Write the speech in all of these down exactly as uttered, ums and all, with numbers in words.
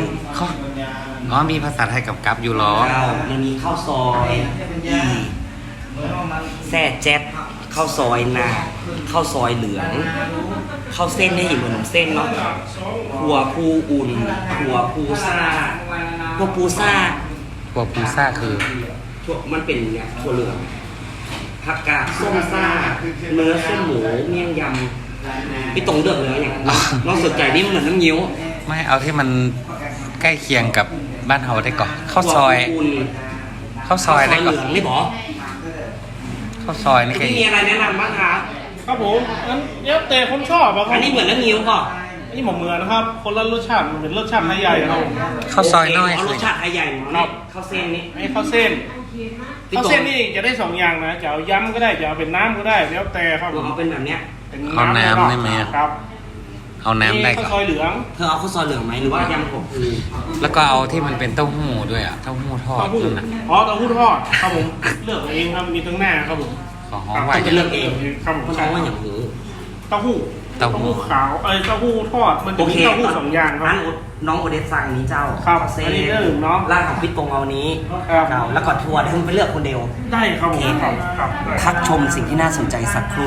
ข้ออ๋อมีภาษาไทยกับกับอยู่หรอเจ้ามันมีข้าวซอยอีแซ่แจ๊ดข้าวซอยนาข้าวซอยเหลืองข้าวเส้นนี่เหมือนขนมเส้นเนาะหัวปูอุ่นหัวปูซ่าหัวปูซ่าหัวปูซ่าคือถั่วมันเป็นเนี่ยถั่วเหลืองผักกาดส้มซ่าเนื้อส้มหมูเมี่ยงยำพี่ตรงเลือกเลยอย่างน้องสนใจนี่มันเหมือนน้ำเงี้ยวไม่เอาที่มันใกล้เคียงกับบ้านเฮาได้ก่อนข้าวซอยข้าวซอยได้ก่อนนี่บอข้าวซอยนี่มีอะไรแนะนำบ้างคะครับผมนั้นเดี๋ยวแต่ผมชอบอะครับอันนี้เหมือนน้ำเงี้ยวก่อนอันนี้หมกเมือนะครับคนละรสชาติมันเป็นรสชาติไทยใหญ่ครับข้าวซอยน้อยรสชาติไทยใหญ่เนาะข้าวเส้นนี่ไอ้ข้าวเส้นข้าวเส้นนี่จะได้สองอย่างนะจะเอายำก็ได้จะเอาเป็นน้ำก็ได้แล้วแต่ครับเอาเป็นแบบเนี้ยเอาน้ำได้ไหมครับเอาน้ำได้ข้าวซอยเหลืองเธอเอาข้าวซอยเหลืองไหมหรือว่ายำผมคือแล้วก็เอาที่มันเป็นเต้าหู้ด้วยอ่ะเต้าหู้ทอดนะอ๋อเต้าหู้ทอดครับผมเลือกเองครับมีทั้งหน้าครับผมขอหอมไว้จะเลือกเองครับผมเขาว่าอย่างหูเต้าหู้เต้าหู้ขาวเอ้ยเต้าหู้ทอดมันจะมีเต้าหู้สองอย่างครับน้องโอเดสสั่งนี้เจ้าครับอันนี้เรื่องเนาะร้านของพี่ตรงเอานี้เจ้าแล้วก็ทัวร์ให้คุณไปเลือกคนเดียวได้ครับโอเคครับพักชมสิ่งที่น่าสนใจสักครู่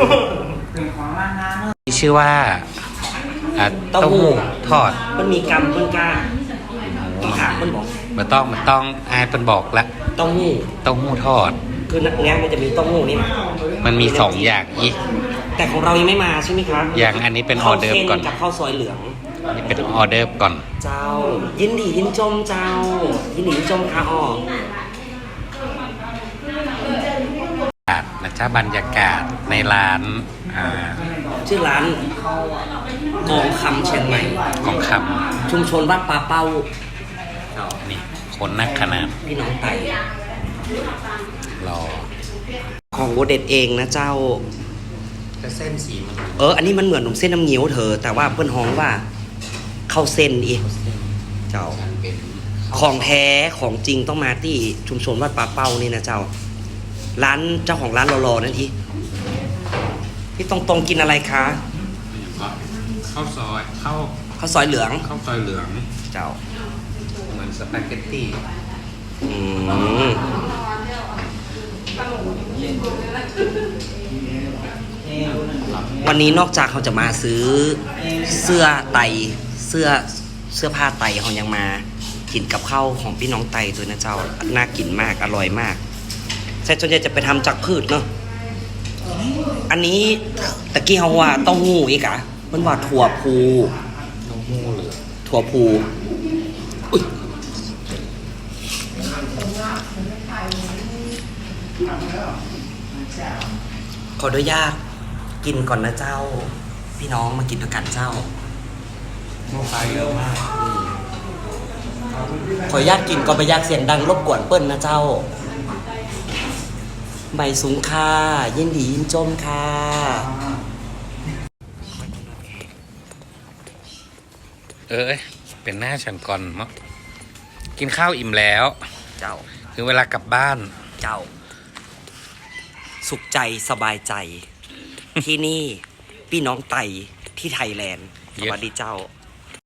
ชื่อว่าเต้าหู้ทอดมันมีกำเปิ้ลก้ามีขาเปิ้ลบอกมันต้องมันต้องอายเป็นบอกแล้วเต้าหู้เต้าหู้ทอดคือนักแง้มมันจะมีเต้าหู้นี่มันมีสองอย่างอีกแต่ของเรายังไม่มาใช่ไหมครับอย่างอันนี้เป็นออเดิร์ฟก่อนกับข้าวซอยเหลืองอันนี้เป็นออเดิร์ฟก่อนเจ้ายินดียินจมเจ้ายินดียินจมค่ะอ๋อนะจ๊ะบรรยากาศในร้านชื่อร้านกองคำเชียงใหม่กองคำชุมชนวัดป่าเป้านี่คนนักขนาดพี่น้องไต่รอของโบเด็ดเองนะเจ้าแต่เส้นสีมันเอออันนี้มันเหมือนขนมเส้นน้ำเงี้ยวเธอแต่ว่าเพื่อนฮ้องว่าข้าวเส้นอีเจ้าของแท้ของจริงต้องมาที่ชุมชนวัดป่าเป้านี่นะเจ้าร้านเจ้าของร้านรอๆนั่นทีพี่ตรงตรงกินอะไรคะข้าวซอยข้าวข้าวซอยเหลืองข้าวซอยเหลืองเจ้าเหมือนสปาเกตตี้อืมวันนี้นอกจากเขาจะมาซื้อเสื้อไตเสื้อเสื้อผ้าไตเขายังมากินกับข้าวของพี่น้องไตตัวนะเจ้าน่ากินมากอร่อยมากใช่ส่วนใหญ่จะไปทำจากพืชเนาะอันนี้ตะกี้เขาว่าเต้าหู้อีกอะมันว่าถั่วพูเต้าหู้เหลือถั่วพูขออนุญาตกินก่อนนะเจ้าพี่น้องมากินด้วยกันเจ้าโมไฟเยอะมากขออนุญาตกินก่อนไปยากเสียงดังรบกวนเปิ้ลนะเจ้าใบสูงค่ะยินดียินจมค่ะเออเป็นหน้าฉันก่อนมั้งกินข้าวอิ่มแล้วเจ้าถึงเวลากลับบ้านเจ้าสุขใจสบายใจ ที่นี่พี่น้องไตที่ไทยแลนด์สวัสดีเจ้า